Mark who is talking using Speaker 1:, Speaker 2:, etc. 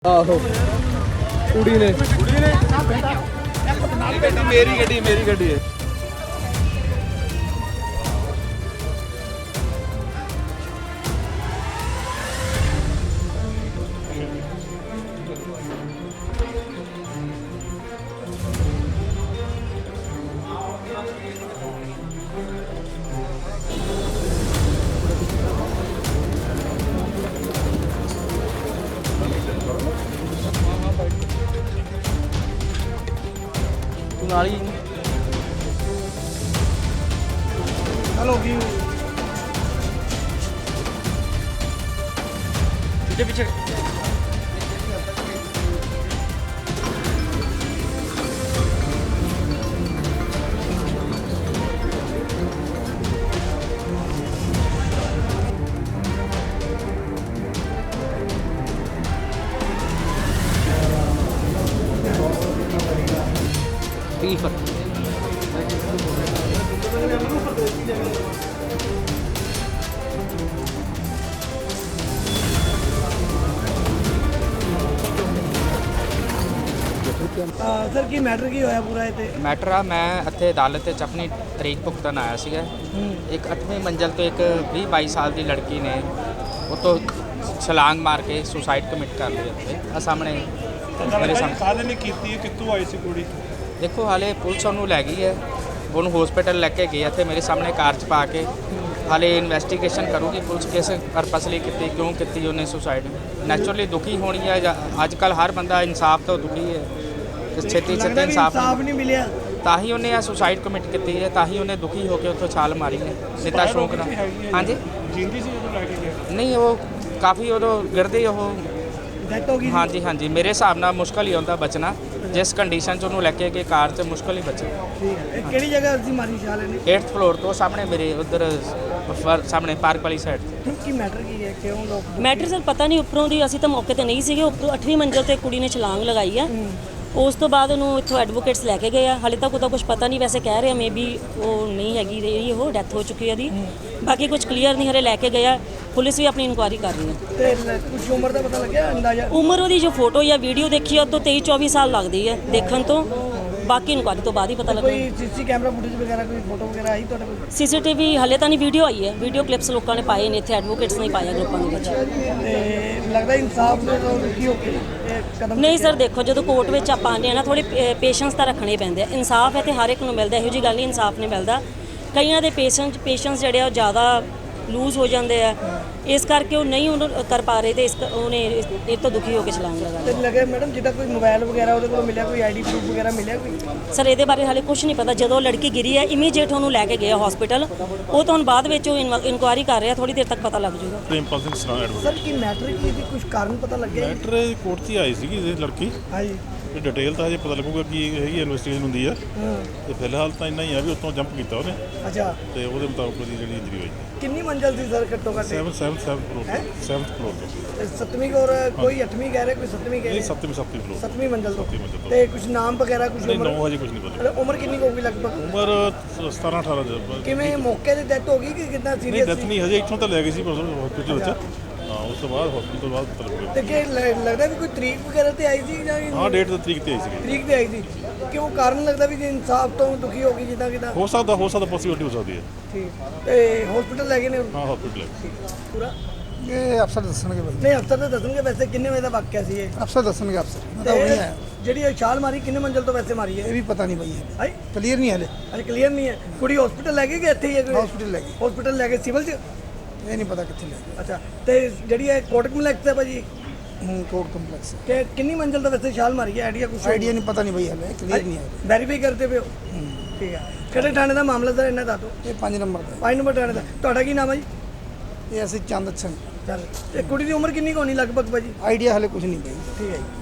Speaker 1: ਆਹੋ ਕੁੜੀ ਨੇ ਮੇਰੀ ਗੱਡੀ ਹੈ। ਨਾਲ ਹੀ
Speaker 2: हेलो व्यू
Speaker 1: पीछे पीछे
Speaker 2: सर की मैटर की होया पूरा इत्थे
Speaker 3: ਮੈਟਰ ਆ ਮੈਂ ਇੱਥੇ ਅਦਾਲਤ ਵਿੱਚ ਆਪਣੀ ਤਰੀਕ ਭੁਗਤਣ ਆਇਆ ਸੀਗਾ। ਇੱਕ 8ਵੀਂ ਮੰਜ਼ਲ ਤੋਂ ਇੱਕ 20-22 ਸਾਲ ਦੀ ਲੜਕੀ ਨੇ ਉੱਤੋਂ ਛਲਾਂਗ ਮਾਰ ਕੇ ਸੁਸਾਈਡ ਕਮਿਟ ਕਰ ਲਈ ਇੱਥੇ ਆ ਸਾਹਮਣੇ ਮੇਰੇ ਸਾਹਮਣੇ।
Speaker 4: ਕਾਹਦੇ ਲਈ ਕੀਤੀ ਹੈ, ਕਿੱਥੋਂ ਆਈ ਸੀ ਕੁੜੀ?
Speaker 3: ਦੇਖੋ ਹਾਲੇ ਪੁਲਿਸ ਉਹਨੂੰ ਲੈ ਗਈ ਹੈ, ਉਹਨੂੰ ਹਸਪੀਟਲ ਲੈ ਕੇ ਗਈ ਇੱਥੇ ਮੇਰੇ ਸਾਹਮਣੇ ਕਾਰ 'ਚ ਪਾ ਕੇ। ਹਾਲੇ ਇਨਵੈਸਟੀਗੇਸ਼ਨ ਕਰੂਗੀ ਪੁਲਿਸ ਕਿਸ ਪਰਪਸ ਲਈ ਕੀਤੀ, ਕਿਉਂ ਕੀਤੀ ਉਹਨੇ ਸੁਸਾਈਡ। ਨੈਚੁਰਲੀ ਦੁਖੀ ਹੋਣੀ ਹੈ, ਅੱਜ ਕੱਲ੍ਹ ਹਰ ਬੰਦਾ ਇਨਸਾਫ ਤੋਂ ਦੁਖੀ ਹੈ, ਛੇਤੀ ਛੇਤੀ ਇਨਸਾਫ
Speaker 2: नहीं मिलिया
Speaker 3: ਤਾਂ ਹੀ ਉਹਨੇ ਆ ਸੁਸਾਈਡ ਕਮਿਟ ਕੀਤੀ ਹੈ, ਤਾਂ ਹੀ ਉਹਨੇ ਦੁਖੀ ਹੋ ਕੇ ਉੱਥੋਂ ਛਾਲ ਮਾਰੀ ਹੈ ਨਿੱਤਾ ਸ਼ੌਂਕ ਨਾਲ। ਹਾਂਜੀ
Speaker 4: ਜਿੰਦੀ ਸੀ ਜਦੋਂ ਲੈ ਕੇ ਗਿਆ?
Speaker 3: ਨਹੀਂ ਉਹ ਕਾਫੀ ਉਦੋਂ ਗਿਰਦੇ ਉਹ
Speaker 2: डेथ हो गई
Speaker 3: ਹਾਂਜੀ ਹਾਂਜੀ ਮੇਰੇ ਹਿਸਾਬ ਨਾਲ ਮੁਸ਼ਕਲ ਹੀ ਹੁੰਦਾ ਬਚਣਾ, ਜਿਸ ਕੰਡੀਸ਼ਨ 'ਚ ਉਹਨੂੰ ਲੈ ਕੇ ਗਏ ਕਾਰ 'ਚ ਮੁਸ਼ਕਲ ਹੀ ਬਚੇ।
Speaker 2: ठीक है केड़ी जगह सी मारी शाले ने
Speaker 3: 8th ਫਲੋਰ ਤੋਂ ਸਾਹਮਣੇ ਮੇਰੇ ਉਧਰ ਸਾਹਮਣੇ ਪਾਰਕ ਵਾਲੀ ਸਾਈਡ।
Speaker 2: की मैटर की है क्यों लोग
Speaker 5: ਮੈਟਰ ਸਰ ਪਤਾ ਨਹੀਂ, ਉੱਪਰੋਂ ਦੀ ਅਸੀਂ ਤਾਂ ਮੌਕੇ ਤੇ ਨਹੀਂ ਸੀਗੇ। ਉੱਪਰੋਂ 8ਵੀਂ ਮੰਜ਼ਲ ਤੇ ਕੁੜੀ ਨੇ ਛਲਾਂਗ ਲਗਾਈ ਆ। ਉਸ ਤੋਂ ਬਾਅਦ ਉਹਨੂੰ ਇੱਥੋਂ ਐਡਵੋਕੇਟਸ ਲੈ ਕੇ ਗਏ ਆ। ਹਾਲੇ ਤੱਕ ਉਹਦਾ ਕੁਝ ਪਤਾ ਨਹੀਂ, ਵੈਸੇ ਕਹਿ ਰਹੇ ਆ ਮੇਬੀ ਉਹ ਨਹੀਂ ਹੈਗੀ ਰਹੀ, ਉਹ ਡੈਥ ਹੋ ਚੁੱਕੀ ਹੈ ਉਹਦੀ। ਬਾਕੀ ਕੁਝ ਕਲੀਅਰ ਨਹੀਂ, ਹਲੇ ਲੈ ਕੇ ਗਏ ਆ। ਪੁਲਿਸ ਵੀ ਆਪਣੀ ਇਨਕੁਆਇਰੀ ਕਰ ਰਹੀ ਹੈ।
Speaker 2: ते कुछ उम्र का पता लग गया अंदाजा
Speaker 5: ਉਮਰ ਉਹਦੀ ਜੋ ਫੋਟੋ ਜਾਂ ਵੀਡੀਓ ਦੇਖੀ ਆ ਉਹ ਤੋਂ 23-24 ਸਾਲ ਲੱਗਦੀ ਹੈ ਦੇਖਣ ਤੋਂ। ਬਾਕੀ ਇਨਕੁਆਇਰੀ ਤੋਂ ਬਾਅਦ ਹੀ ਪਤਾ
Speaker 2: कोई
Speaker 5: ਲੱਗਣਾ।
Speaker 2: सीसी कैमरा फुटेज वगैरह कोई फोटो वगैरह आई तो
Speaker 5: ਸੀਸੀਟੀਵੀ ਹਲੇ ਤਾਂ ਨਹੀਂ, ਵੀਡੀਓ ਆਈ ਹੈ। ਵੀਡੀਓ ਕਲਿੱਪਸ ਲੋਕਾਂ ਨੇ ਪਾਏ ਨੇ, ਇੱਥੇ ਐਡਵੋਕੇਟਸ ਨੇ ਪਾਇਆ ਗਰੁੱਪਾਂ ਦੇ ਵਿੱਚ।
Speaker 2: लगता है इंसाफ ने तो की हो गई कदम
Speaker 5: ਨਹੀਂ ਸਰ ਦੇਖੋ, ਜਦੋਂ ਕੋਰਟ ਵਿੱਚ ਆਪਾਂ ਆਉਂਦੇ ਆ ਨਾ, ਥੋੜੀ ਪੇਸ਼ੈਂਸ ਤਾਂ ਰੱਖਣੇ ਪੈਂਦੇ ਆ। ਇਨਸਾਫ ਹੈ ਤੇ ਹਰ ਇੱਕ ਨੂੰ ਮਿਲਦਾ, ਇਹੋ ਜਿਹੀ ਗੱਲ ਨਹੀਂ ਇਨਸਾਫ ਨਹੀਂ ਮਿਲਦਾ। ਕਈਆਂ ਦੇ ਪੇਸ਼ੈਂਸ ਜਿਹੜੇ ਆ ਉਹ ਜ਼ਿਆਦਾ ਲੂਜ਼ ਹੋ ਜਾਂਦੇ ਆ, ਇਸ ਕਰਕੇ ਉਹ ਨਹੀਂ ਉਹਨੂੰ ਕਰ ਪਾ ਰਹੇ ਤੇ ਉਹਨੇ ਇਹ ਤੋਂ ਦੁਖੀ ਹੋ ਕੇ ਛਲਾਂਗ ਲਗਾ
Speaker 2: ਤੇ ਲੱਗੇ ਮੈਡਮ ਜਿੱਦਾਂ ਕੋਈ ਮੋਬਾਈਲ ਵਗੈਰਾ ਉਹਦੇ ਕੋਲ ਮਿਲਿਆ, ਕੋਈ ਆਈਡੀ ਪ੍ਰੂਫ ਵਗੈਰਾ ਮਿਲਿਆ ਕੋਈ?
Speaker 5: ਸਰ ਇਹਦੇ ਬਾਰੇ ਹਾਲੇ ਕੁਝ ਨਹੀਂ ਪਤਾ। ਜਦੋਂ ਲੜਕੀ ਗਿਰੀ ਹੈ ਇਮੀਡੀਏਟ ਉਹਨੂੰ ਲੈ ਕੇ ਗਏ ਹਸਪੀਟਲ। ਉਹ ਤਾਂ ਹੁਣ ਬਾਅਦ ਵਿੱਚ ਉਹ ਇਨਕੁਆਇਰੀ ਕਰ ਰਿਹਾ, ਥੋੜੀ ਦੇਰ ਤੱਕ ਪਤਾ ਲੱਗ ਜਾਊਗਾ।
Speaker 4: ਪ੍ਰਿੰਪਲ ਸਿੰਘ ਸਰਾਂ ਐਡਵੋਕੇਟ।
Speaker 2: ਸਰ ਕੀ ਮੈਟਰ ਕੀ ਸੀ, ਕੁਝ ਕਾਰਨ ਪਤਾ ਲੱਗਿਆ?
Speaker 4: ਮੈਟਰ ਕੋਰਟ 'ਚ ਹੀ ਆਈ ਸੀਗੀ ਇਹ ਲੜਕੀ,
Speaker 2: ਹਾਂਜੀ
Speaker 4: ਤੇ ਡਿਟੇਲ ਤਾਂ ਹਜੇ ਪਤਾ ਲੱਗੂਗਾ ਕੀ ਹੈਗੀ ਇਨਵੈਸਟੀਗੇਸ਼ਨ ਹੁੰਦੀ ਆ। ਤੇ ਫਿਲਹਾਲ ਤਾਂ ਇੰਨਾ ਹੀ ਆ ਵੀ ਉੱਤੋਂ ਜੰਪ ਕੀਤਾ ਉਹਨੇ,
Speaker 2: ਅੱਛਾ
Speaker 4: ਤੇ ਉਹਦੇ ਮੁਤਾਬਕ ਉਹਦੀ ਜਿਹੜੀ ਇੰਜਰੀ ਹੋਈ
Speaker 2: ਕਿੰਨੀ ਮੰਜ਼ਲ ਸੀ ਸਰ ਘੱਟੋ ਘੱਟ?
Speaker 4: 7th ਫਲੋਰ ਤੋਂ।
Speaker 2: 7ਵੀਂ ਔਰ ਕੋਈ 8ਵੀਂ ਕਹਿ ਰਹੇ, ਕੋਈ 7ਵੀਂ ਕਹਿ
Speaker 4: ਨਹੀਂ
Speaker 2: ਰਹੇ?
Speaker 4: 7ਵੀਂ ਫਲੋਰ।
Speaker 2: 7ਵੀਂ ਮੰਜ਼ਲ ਤੋਂ।
Speaker 4: 7ਵੀਂ ਮੰਜ਼ਿਲ ਤੋਂ।
Speaker 2: ਤੇ ਕੁਝ ਨਾਮ ਵਗੈਰਾ ਕੁਝ
Speaker 4: ਨਹੀਂ,
Speaker 2: ਉਮਰ?
Speaker 4: ਨੌ ਹਜੇ ਕੁਝ ਨਹੀਂ ਪਤਾ।
Speaker 2: ਉਮਰ ਕਿੰਨੀ ਕੁ ਹੋਊਗੀ ਲਗਭਗ?
Speaker 4: ਉਮਰ 17-18 ਦੇ।
Speaker 2: ਕਿਵੇਂ ਮੌਕੇ ਤੇ ਡੈਥ ਹੋ ਗਈ ਕਿ ਕਿੰਨਾ
Speaker 4: ਨਹੀਂ
Speaker 2: ਸੀਰੀਅਸ
Speaker 4: ਡੈਥ
Speaker 2: ਸੀ?
Speaker 4: ਨਹੀਂ ਹਜੇ, ਇੱਥੋਂ ਤਾਂ ਲੈ ਗਏ ਸੀ ਹਸਪੀਟਲ ਵਿੱਚ। ਹਾਂ ਉਸ ਤੋਂ ਬਾਅਦ ਹਸਪੀਟਲ ਤੋਂ ਬਾਅਦ ਪਤਾ ਲੱਗੂਗਾ।
Speaker 2: ਤੇ ਕਿ ਲੱਗਦਾ ਵੀ ਕੋਈ ਤਰੀਕ ਵਗੈਰਾ ਤੇ ਆਈ ਸੀ ਜਾਂ
Speaker 4: ਹਾਂ ਡੇਟ ਤਾਂ ਤਰੀਕ ਤੇ ਆਈ ਸੀਗੀ।
Speaker 2: ਤਰੀਕ ਤੇ ਆਈ ਸੀ? ਕਿਉਂ ਕਾਰਨ ਲੱਗਦਾ ਵੀ ਕਿ ਇਨਸਾਫ ਤੋਂ ਦੁਖੀ ਹੋ ਗਈ ਜਿੱਦਾਂ ਕਿਦਾਂ?
Speaker 4: ਹੋ ਸਕਦਾ ਪੋਸੀਬਿਲਿਟੀ ਹੋ ਸਕਦੀ ਹੈ।
Speaker 2: ਠੀਕ ਤੇ ਹਸਪੀਟਲ ਲੈ ਗਏ ਨੇ
Speaker 4: ਹਾਂ ਹਸਪੀਟਲ
Speaker 2: ਪੂਰਾ?
Speaker 6: ਇਹ ਅਫਸਰ ਦੱਸਣਗੇ ਬਾਈ,
Speaker 2: ਨਹੀਂ ਅਫਸਰ ਤਾਂ ਦੱਸਣਗੇ। ਵੈਸੇ ਕਿੰਨੇ ਵਜੇ ਦਾ ਵਾਕਿਆ ਸੀ ਇਹ?
Speaker 6: ਅਫਸਰ ਦੱਸਣਗੇ ਅਫਸਰ। ਮੈਂ ਤਾਂ ਉਹ ਨਹੀਂ ਆਇਆ,
Speaker 2: ਜਿਹੜੀ ਇਹ ਛਾਲ ਮਾਰੀ ਕਿੰਨੇ ਮੰਜ਼ਲ ਤੋਂ ਵੈਸੇ ਮਾਰੀ
Speaker 6: ਇਹ
Speaker 2: ਹੈ?
Speaker 6: ਵੀ ਪਤਾ ਨਹੀਂ ਬਾਈ,
Speaker 2: ਹਾਈ
Speaker 6: ਕਲੀਅਰ ਨਹੀਂ ਹਲੇ,
Speaker 2: ਅਜੇ ਕਲੀਅਰ ਨਹੀਂ ਹੈ। ਕੁੜੀ ਹਸਪੀਟਲ ਲੈ ਗਏ ਕਿ ਇੱਥੇ ਹੀ ਹੈ?
Speaker 6: ਹਸਪੀਟਲ ਲੈ ਗਏ,
Speaker 2: ਹਸਪੀਟਲ ਲੈ ਗਏ ਸਿਵਲ 'ਚ?
Speaker 6: ਇਹ ਨਹੀਂ ਪਤਾ ਕਿੱਥੇ ਲੈ ਗਏ।
Speaker 2: ਅੱਛਾ ਤੇ ਜਿਹੜੀ ਇਹ ਕੋਰਟ ਕੰਪਲੈਕਸ ਹੈ ਭਾਜੀ,
Speaker 6: ਕੋਰਟ ਕੰਪਲੈਕਸ,
Speaker 2: ਕਿ ਕਿੰਨੀ ਮੰਜ਼ਲ ਤੋਂ ਵੈਸੇ ਛਾਲ ਮਾਰੀ ਹੈ? ਆਈਡੀਆ ਕੁਝ?
Speaker 6: ਆਈਡੀਆ ਨਹੀਂ, ਪਤਾ ਨਹੀਂ ਬਾਈ ਹਲੇ, ਕਲੀਅਰ ਨਹੀਂ ਹੈ।
Speaker 2: ਵੈਰੀਫਾਈ ਕਰਦੇ ਪਏ ਹੋ? ਠੀਕ ਹੈ। ਕਿਹੜੇ ਥਾਣੇ ਦਾ ਮਾਮਲਾ ਸਰ ਇਹਨਾਂ ਦਾ? ਤੋਂ
Speaker 6: ਇਹ 5 ਨੰਬਰ ਦਾ
Speaker 2: 5 ਨੰਬਰ ਥਾਣੇ ਦਾ। ਤੁਹਾਡਾ ਕੀ ਨਾਮ ਹੈ ਜੀ?
Speaker 6: ਇਹ ਅਸੀਂ ਚੰਦ ਸਿੰਘ।
Speaker 2: ਚੱਲ ਤੇ ਕੁੜੀ ਦੀ ਉਮਰ ਕਿੰਨੀ ਕੁ ਹੋਣੀ ਲਗਭਗ ਭਾਜੀ?
Speaker 6: ਆਈਡੀਆ ਹਲੇ ਕੁਝ ਨਹੀਂ ਬਾਈ।
Speaker 2: ਠੀਕ ਹੈ ਜੀ।